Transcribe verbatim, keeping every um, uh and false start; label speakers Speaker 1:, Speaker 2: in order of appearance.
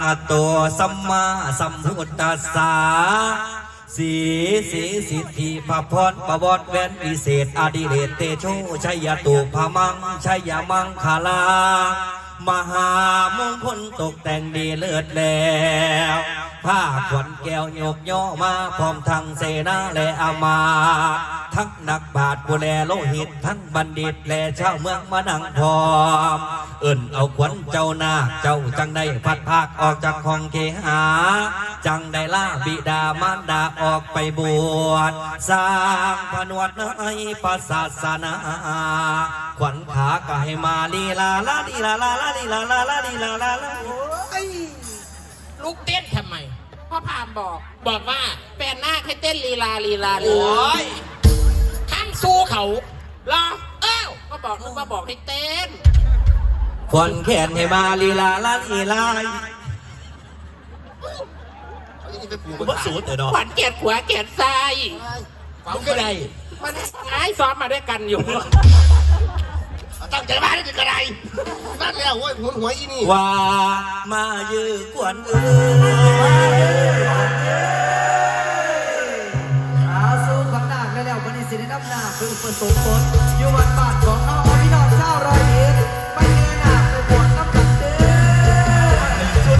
Speaker 1: อะโตสัมมาสัมพุทธัสสะสีสีสิทธิพระพรประวรแวนวิเศษอดิเรกเตโชชัยตุพมังชัยมังคลามหามงคลตกแต่งดีเลิศแล้วผ้าขวัญแก้วโยกย่อมาพร้อมทั้งเสนาและอามาทั้งนักบาทผู้แลโลหิตทั้งบัณฑิตและชาวเมืองมานั่งพร้อมเอิ่นเอาขวัญเจ้านาคเจ้าจังได้พัดภาคออกจากห้องเกหาจังได้ล่าบิดามารดาออกไปบวชสร้างผนวดในพระศาสนาขวัญขาก็ให้มาลีลาลาลีลาลาลาลีลาลาลาลีลาลาลา
Speaker 2: ลูกเต้นทำไมพ่อพามบอกบอกว่าแฟนหน้าให้เต้นลีลาลีลาโอ้ยข้างสู้เขารอเอ้าก็บอกนึกว่าบอกให้เต้น
Speaker 1: ขวัญแขนให้มาลีลาลาลีลามันสูดเนาะ
Speaker 2: ขวัญเกียรติหัวเกียรติใจ
Speaker 1: ฝังก็ได้
Speaker 2: มันไอ้ซ้อมมาด้วยกันอยู่
Speaker 3: ตั้งใจมาได้ถึงกระไรนั่นแล้วโว้ยหัวหัวอีนี่
Speaker 1: ว่ามายื้อกวนเอ้
Speaker 4: อาสู้ขวัญนาคแล้ววันนี้สิได้นำหน้าคือประสบผลอยู่วัดบ้านของน้องพี่น้องชาวร้อยเอ็ด